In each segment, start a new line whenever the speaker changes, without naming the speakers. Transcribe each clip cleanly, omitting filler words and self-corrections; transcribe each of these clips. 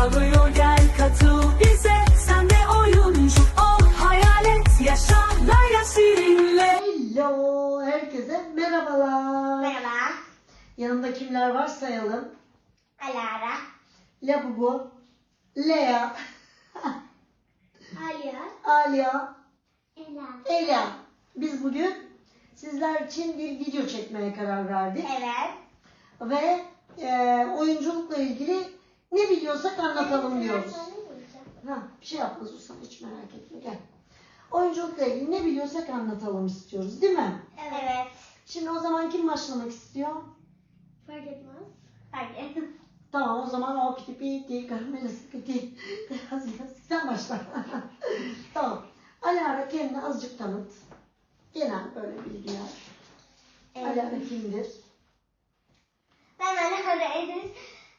çağırıyor, gel katıl bize. Sen de oyuncu ol, hayal et, yaşa Layla Şirin'le.
Hello, herkese merhabalar.
Merhaba.
Yanımda kimler var sayalım.
Alara.
Labubu, Lea,
Aliya.
Alia,
Ela.
Ela. Biz bugün sizler için bir video çekmeye karar verdik.
Evet.
Ve oyunculukla ilgili ne biliyorsak anlatalım diyoruz. Bir şey yapmaz Usta, hiç merak etme, gel. Oyunculukla ilgili ne biliyorsak anlatalım istiyoruz, değil mi?
Evet.
Şimdi o zaman kim başlamak istiyor?
Fark etmez. Fark etmez.
Tamam, o zaman o piti piti kamerası piti. Sen başla. Tamam. Alara kendini azıcık tanıt. Genel böyle bilgiler. Alara kimdir?
Ben Alara Edis.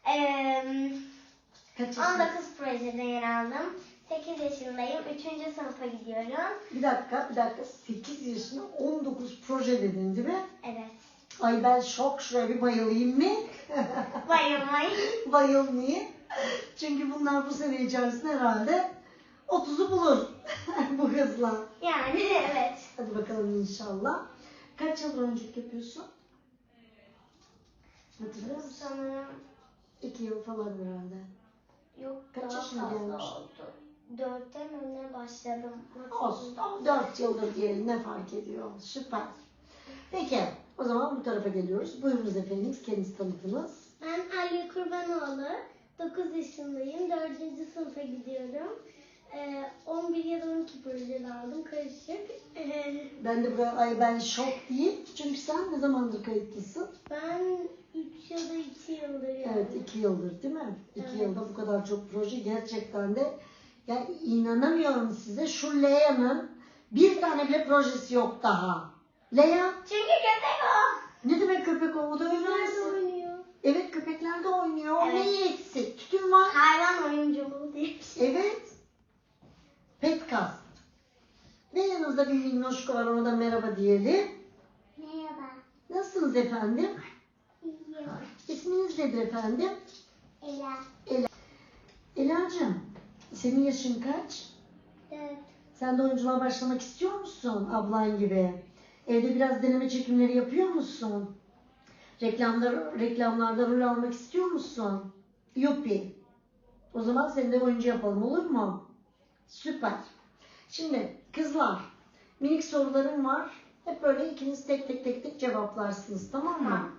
Kaç yaşında?
19 projede yer aldım. 8 yaşındayım. 3. sınıfa gidiyorum.
Bir dakika. 8 yaşında 19 proje dedin değil mi?
Evet.
Ay ben şok, şuraya bir bayılayım mı?
Bayılmayın.
Bayılmayayım. Çünkü bunlar bu sene içerisinde herhalde 30'u bulur bu hızla.
Yani evet.
Hadi bakalım inşallah. Kaç yıl oyunculuk yapıyorsun? Hatırlıyor musun?
Sanırım
2 yıl falan herhalde.
yok,
Kaç
daha
yaşına
fazla
gelmiştin?
oldu. 4'ten önüne başladım.
Olsun. 4 yıldır diyelim, ne fark ediyor? Süper. Peki o zaman bu tarafa geliyoruz. Buyurunuz efendim, kendinizi tanıtınız.
Ben Aliye Kurbanoğlu, 9 yaşındayım, 4. sınıfa gidiyorum. 11 ya da 12 projede aldım, karışık.
Ben de buraya ben şok diyeyim. Çünkü sen ne zamandır kayıtlısın?
Ben 3 ya da 2 yıldır yani.
Evet, 2 yıldır değil mi? 2
Evet.
yılda bu kadar çok proje gerçekten de, yani inanamıyorum size, şu Lea'nın bir tane bile projesi yok daha. Lea,
Çünkü köpek o.
ne demek köpek o da öyle
Nerede
misin?
oynuyor?
Evet, köpekler de oynuyor. O
Evet.
neyi eksik? Tütün var.
Hayvan oyunculuğu diye bir şey.
Evet. Petcast. Ve yanımızda bir minnoşko var, ona da merhaba diyelim.
Merhaba.
Nasılsınız efendim?
İyiyim.
İsminiz nedir efendim?
Ela.
Ela'cığım, senin yaşın kaç?
4.
Sen de oyunculuğa başlamak istiyor musun ablan gibi? Evde biraz deneme çekimleri yapıyor musun? Reklamlarda rol almak istiyor musun? Yuppi. O zaman seni de oyuncu yapalım, olur mu? Süper. Şimdi kızlar, minik sorularım var. Hep böyle ikiniz tek tek cevaplarsınız, tamam mı?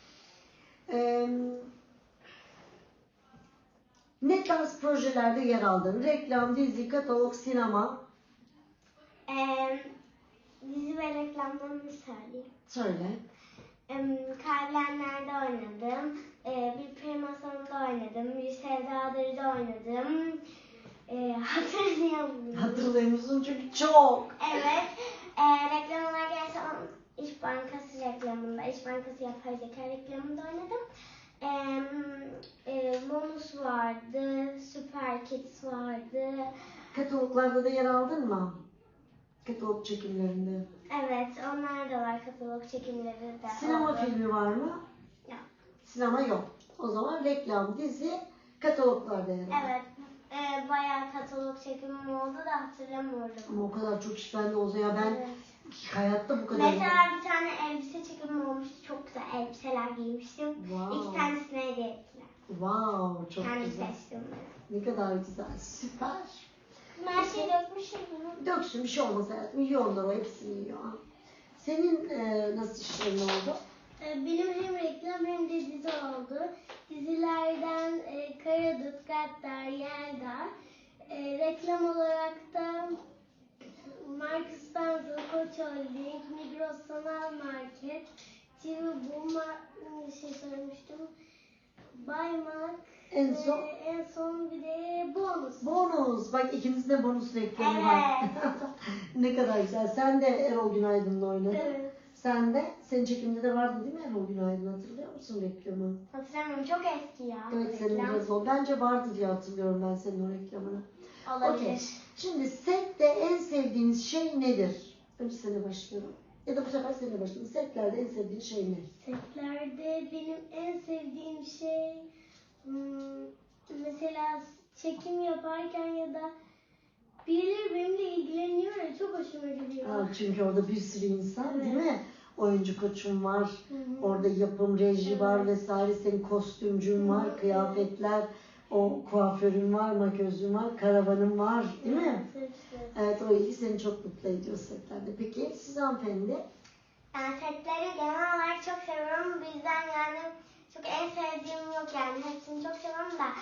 Ne tarz projelerde yer aldın? Reklam, dizi, katalog, sinema.
Dizi ve reklamlarını söyleyeyim.
Söyle.
Kaybedenler'de oynadım. Bir primasyonda oynadım. Bir Sevdadır'da oynadım. Hatırlayamıyorum.
Hatırlıyor çünkü çok.
Evet. Reklam olarak gelsem İş Bankası reklamında, İş Bankası yapay zeka reklamında oynadım. Bonus vardı, Süper Kids vardı.
Kataloglarda da yer aldın mı? Katalog çekimlerinde.
Evet, onlar da var, katalog çekimleri de.
Sinema
oldu.
filmi var mı?
Yok.
Sinema yok. O zaman reklam, dizi, kataloglarda yer aldı.
Evet, bayağı katalog çekimim oldu da hatırlamıyorum.
Ama o kadar çok iş bende olsa ya, ben
Evet.
hayatta bu kadar.
Mesela bir tane elbise çekimim olmuştu, çok güzel elbiseler giymiştim.
Wow.
2 tanesine hediye ettiler.
Wow, çok
Kendi
güzel.
seçtim ben.
Ne kadar güzel, süper.
Her şeyi dökmüşüm.
Döksün, bir şey olmaz hayatım. Yiyorlar, o hepsini yiyor. Senin nasıl işlerin oldu?
Benim hem reklam hem de dizi oldu. Dizilerden Karadut, Gaddar, Yeldar. Reklam olarak da Marks Spencer, Koç Holding, Migros Sanal Market, Cibu, şey söylemiştim, Baymak,
En son?
En son bir de bonus.
Bonus. Bak, ikimizin de bonus reklamı var. Ne kadar güzel. Sen de Erol Günaydın'la oynadın.
Evet.
Sen de, senin çekiminde de vardı değil mi Erol Günaydın? Hatırlıyor musun reklamı?
Hatırlamıyorum, çok eski ya.
Evet, senin
reklam.
biraz o. Bence vardı diye hatırlıyorum ben senin o reklamını.
Olabilir.
Okey. Şimdi sette en sevdiğiniz şey nedir? Önce seninle başlıyorum. Ya da bu sefer seninle başlayalım. Setlerde en sevdiğin şey ne?
Setlerde benim en sevdiğim şey mesela çekim yaparken ya da birileri benimle ilgileniyor ya, çok hoşuma gidiyor.
Ha, çünkü orada bir sürü insan değil
Evet.
mi? Oyuncu koçun var,
Hı.
orada yapım, reji var
Evet.
vesaire, senin kostümcün var,
Hı.
kıyafetler, o kuaförün var, makyözün var, karavanın var değil mi?
Evet, hepsi.
Evet, o ilgi seni çok mutlu ediyor setlerde. Peki siz hanımefendi?
Ben setleri genel olarak çok seviyorum. Bizden yani çok en sevdiğim yok yani. Hepsini çok seviyorum da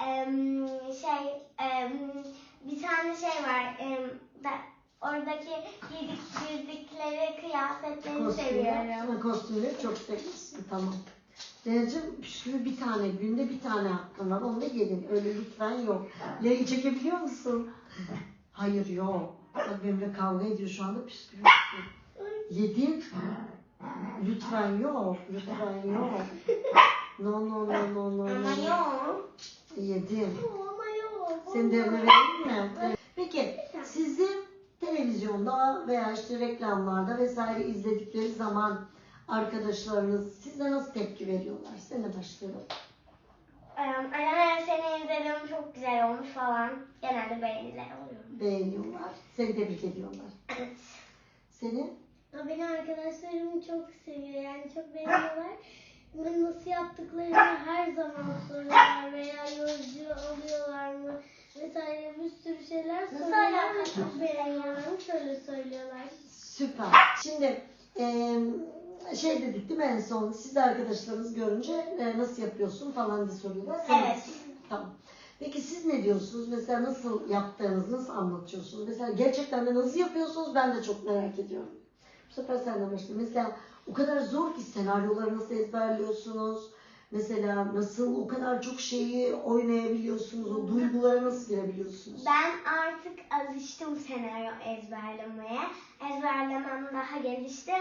bir tane şey var. Oradaki giydikleri kıyafetleri seviyorum.
Kostümleri çok seviyorsun, tamam. Denizciğim, püskürü bir tane, günde bir tane hakkın var, onu da yedin. Öyle lütfen yok. Yayı çekebiliyor musun? Hayır, yok. Bak benimle kavga ediyor şu anda, püskürü. Yedin. Lütfen yok, lütfen yok. No.
Ama yok.
Yedin.
Ama yok.
Senin de evine verelim mi? Evet. Peki, sizin televizyonda veya işte reklamlarda vesaire izledikleri zaman arkadaşlarınız size nasıl tepki veriyorlar? Seninle başlayalım.
Anne seni izledim çok güzel olmuş falan. Genelde beğeniler oluyor.
Beğeniyorlar, seni tebrik ediyorlar.
Evet.
Seni?
Ya beni arkadaşlarım çok seviyor, yani çok beğeniyorlar. Bunu nasıl yaptıklarını her zaman soruyorlar veya yolcu oluyorlar mı vesaire, bir sürü şeyler soruyorlar ve çok beğeniyorlar, şöyle söylüyorlar.
Süper. Şimdi şey dedik değil mi en son, siz arkadaşlarınız görünce nasıl yapıyorsun falan diye soruyorlar.
Evet.
Tamam. Peki siz ne diyorsunuz? Mesela nasıl yaptığınızı nasıl anlatıyorsunuz? Mesela gerçekten de nasıl yapıyorsunuz? Ben de çok merak ediyorum. Bu sefer senden başlayayım. Mesela o kadar zor ki senaryoları nasıl ezberliyorsunuz? Mesela nasıl o kadar çok şeyi oynayabiliyorsunuz? O duygulara nasıl girebiliyorsunuz?
Ben artık alıştım senaryo ezberlemeye. Ezberlemem daha gelişti.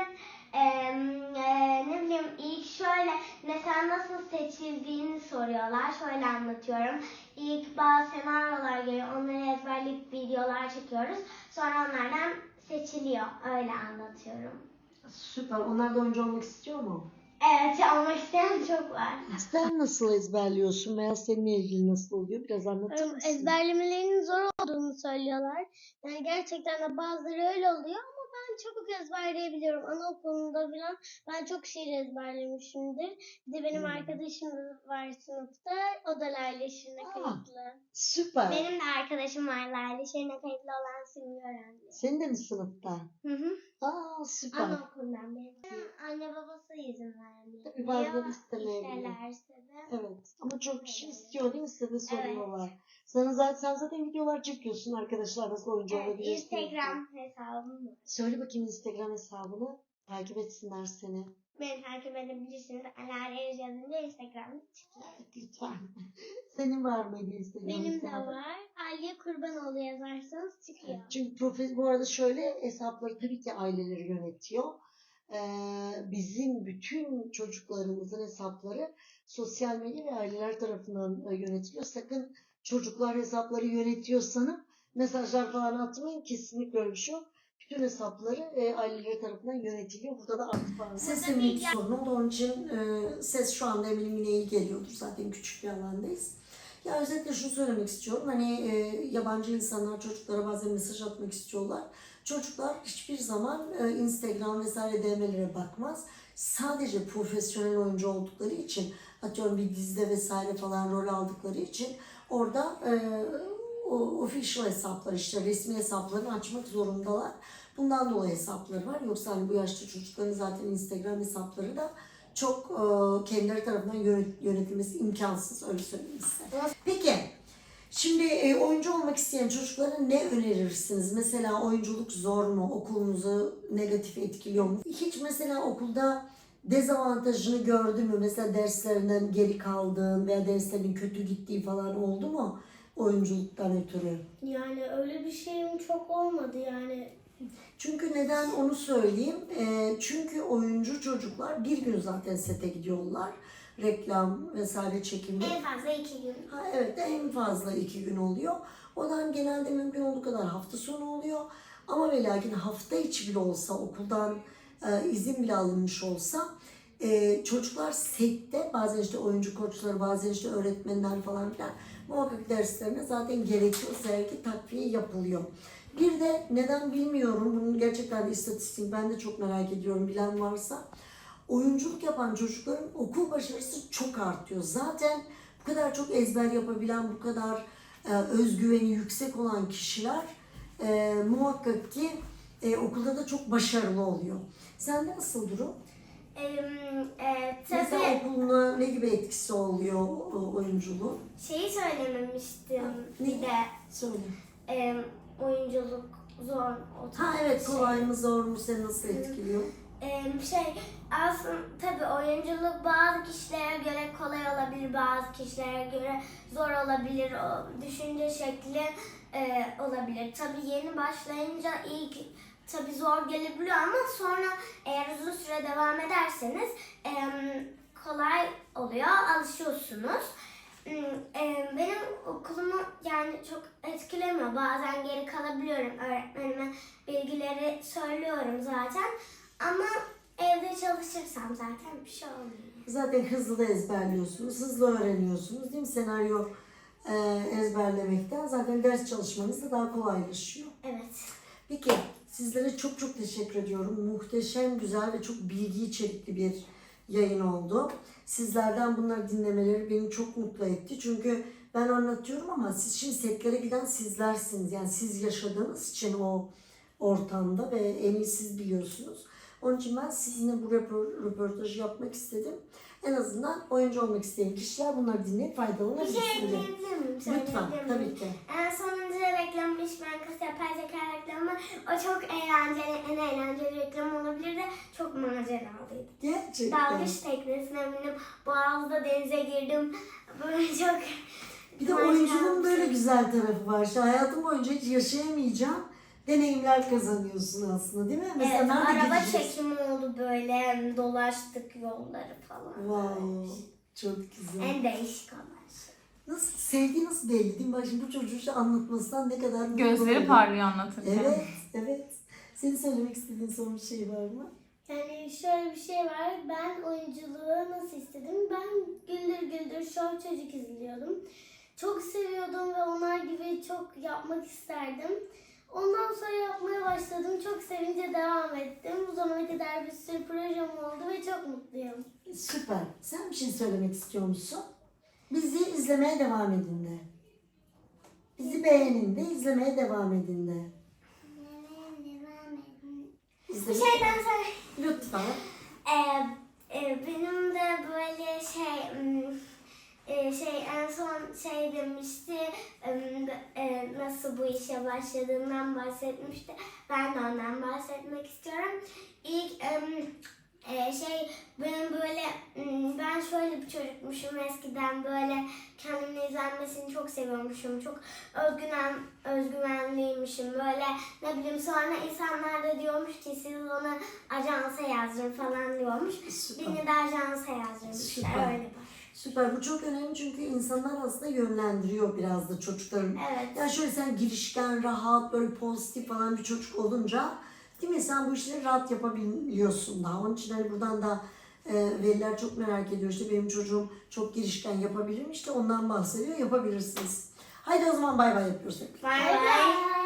Ne bileyim ilk şöyle mesela nasıl seçildiğini soruyorlar. Şöyle anlatıyorum. İlk bazı senaryolar geliyor. Onları ezberleyip videolar çekiyoruz. Sonra onlardan seçiliyor. Öyle anlatıyorum.
Süper. Onlar da oyuncu olmak istiyor mu?
Evet, olmak isteyen çok var.
Sen nasıl ezberliyorsun veya seninle ilgili nasıl oluyor? Biraz anlatır mısın?
Ezberlemelerinin zor olduğunu söylüyorlar. Yani gerçekten de bazıları öyle oluyor ama ben çabuk ezberleyebiliyorum. Anaokulunda falan ben çok şiir ezberlemişimdir. Bir de benim arkadaşım var sınıfta. O da Lale Şirin'e kayıtlı.
Süper.
Benim de arkadaşım var Lale. Şirin'e kayıtlı olan Simge öğrendi.
Senin de mi sınıfta?
Hı hı.
Aa, süper.
Anaokulundan beri. Anne babası izin vermiyor.
Tabii bazen istemeyebiliyor.
İsterlerse de.
Evet. Ama çok kişi istiyor değil mi? Size de soruyorlar. Sen zaten videolar çekiyorsun arkadaşlar nasıl oyuncu
Evet,
olabilirsin.
Instagram hesabım var.
Söyle bakayım Instagram hesabını. Takip etsinler seni.
Beni takip edebilirsiniz. Alar Eriz yazınca Instagram'da çıkıyor.
Evet, lütfen. Senin var mıydı Instagram
Benim de
hesabı?
var. Aliye Kurbanoğlu yazarsanız çıkıyor.
Çünkü bu arada şöyle hesapları tabii ki aileleri yönetiyor. Bizim bütün çocuklarımızın hesapları sosyal medya ve aileler tarafından yönetiliyor. Sakın çocuklar hesapları yönetiyor sanıp mesajlar falan atmayın. Kesinlikle öyle bir şey yok. Bütün hesapları aileleri tarafından yönetiliyor. Burada da artık var. Sesin bir sorun oldu. Onun için ses şu anda eminim yine iyi geliyordur. Zaten küçük bir alandayız. Ya özetle şunu söylemek istiyorum. Hani yabancı insanlar çocuklara bazen mesaj atmak istiyorlar. Çocuklar hiçbir zaman Instagram vesaire DM'lere bakmaz. Sadece profesyonel oyuncu oldukları için, atıyorum bir dizide vesaire falan rol aldıkları için orada o official hesaplar, işte resmi hesaplarını açmak zorundalar. Bundan dolayı hesapları var. Yoksa hani bu yaşta çocukların zaten Instagram hesapları da çok kendileri tarafından yönetilmesi imkansız, öyle söyleyeyim size. Peki, şimdi oyuncu olmak isteyen çocuklara ne önerirsiniz? Mesela oyunculuk zor mu? Okulunuzu negatif etkiliyor mu? Hiç mesela okulda dezavantajını gördün mü? Mesela derslerinden geri kaldığın veya derslerin kötü gittiği falan oldu mu? Oyunculuktan ötürü.
Yani öyle bir şeyim çok olmadı yani.
Çünkü neden onu söyleyeyim. Çünkü oyuncu çocuklar bir gün zaten sete gidiyorlar. Reklam vesaire çekimde.
En fazla 2 gün.
Ha, evet, en fazla 2 gün oluyor. O da genelde mümkün olduğu kadar hafta sonu oluyor. Ama ve lakin hafta içi bile olsa okuldan izin bile alınmış olsa Çocuklar sette bazen işte oyuncu koçları, bazen işte öğretmenler falan filan muhakkak derslerine zaten gerekiyorsa eğer ki takviye yapılıyor. Bir de neden bilmiyorum, bunun gerçekten de istatistik ben de çok merak ediyorum, bilen varsa oyunculuk yapan çocukların okul başarısı çok artıyor. Zaten bu kadar çok ezber yapabilen, bu kadar özgüveni yüksek olan kişiler muhakkak ki okulda da çok başarılı oluyor. Sende nasıl durum? Mesela
Tabii
okuluna ne gibi etkisi oluyor o oyunculuğun?
şeyi söylememiştim
Ne?
bir de
Söyle.
oyunculuk zor.
Ha evet, kolay mı zor mu, seni nasıl etkiliyor?
Aslında tabii oyunculuk bazı kişilere göre kolay olabilir, bazı kişilere göre zor olabilir. O düşünce şekli olabilir. Tabii yeni başlayınca ilk tabii zor gelebiliyor ama sonra eğer uzun süre devam ederseniz kolay oluyor, alışıyorsunuz. Benim okulumu yani çok etkilemiyor. Bazen geri kalabiliyorum. Öğretmenime bilgileri söylüyorum zaten. Ama evde çalışırsam zaten bir şey olmuyor.
Zaten hızlı da ezberliyorsunuz, hızlı öğreniyorsunuz değil mi? Senaryo ezberlemekten zaten ders çalışmanız da daha kolaylaşıyor.
Evet.
Peki, sizlere çok çok teşekkür ediyorum. Muhteşem, güzel ve çok bilgi içerikli bir yayın oldu. Sizlerden bunları dinlemeleri beni çok mutlu etti. Çünkü ben anlatıyorum ama siz şimdi setlere giden sizlersiniz. Yani siz yaşadığınız için o ortamda ve en iyi siz biliyorsunuz. Onun için ben sizinle bu röportajı yapmak istedim. En azından oyuncu olmak isteyen kişiler bunları dinleyip
Bir
faydalanabilsin
şey
diye.
ekleyebilir miyim?
Lütfen,
Söyleyebilir miyim?
tabii ki.
Sonuncu reklamı İş Bankası yapay zeka reklamı. O çok eğlenceli, en eğlenceli reklam olabilir de çok maceralıydı.
Gerçekten.
Dalgıç teknesine bindim, Boğaz'da denize girdim. Böyle çok...
Bir de oyunculuğun böyle güzel tarafı var. İşte hayatım boyunca hiç yaşayamayacağım deneyimler kazanıyorsun aslında değil mi? Mesela
Evet,
nerede
araba
gideceğiz?
çekimi oldu böyle, dolaştık yolları falan.
Wow, çok güzel.
En değişik olan şey.
Nasıl, sevgi nasıl belli değil mi? Bak şimdi bu çocuğun işte anlatmasından ne kadar mutlu
Gözleri
oldum.
parlıyor anlatırken.
Evet, evet. Senin söylemek istediğin son bir şey var mı?
Yani şöyle bir şey var. Ben oyunculuğu nasıl istedim? Ben Güldür Güldür Show Çocuk izliyordum. Çok seviyordum ve onlar gibi çok yapmak isterdim. Ondan sonra yapmaya başladım. Çok sevince devam ettim. Bu zamana kadar bir sürü projem oldu ve çok mutluyum.
Süper. Sen bir şey söylemek istiyor musun? Bizi izlemeye devam edin de. Bizi beğenin de, izlemeye devam edin de.
Bir
İzlemeye...
şeyden sonra
Lütfen.
benim de böyle en son şey demişti, nasıl bu işe başladığından bahsetmişti. Ben de ondan bahsetmek istiyorum. İlk benim böyle ben şöyle bir çocukmuşum, eskiden böyle kendimle izlenmesini çok seviyormuşum. Çok özgüvenliymişim böyle, ne bileyim, sonra insanlar da diyormuş ki siz onu ajansa yazdırın falan diyormuş.
Süper.
Beni de ajansa yazdırmışlar,
Süper.
öyle var.
Süper. Bu çok önemli çünkü insanlar aslında yönlendiriyor biraz da çocukların.
Evet.
Yani şöyle sen girişken, rahat, böyle pozitif falan bir çocuk olunca değil mi? Sen bu işleri rahat yapabiliyorsun daha. Onun için hani buradan da veliler çok merak ediyor. İşte benim çocuğum çok girişken, yapabilir mi? İşte ondan bahsediyor. Yapabilirsiniz. Haydi o zaman bay bay yapıyoruz.
Bye bye.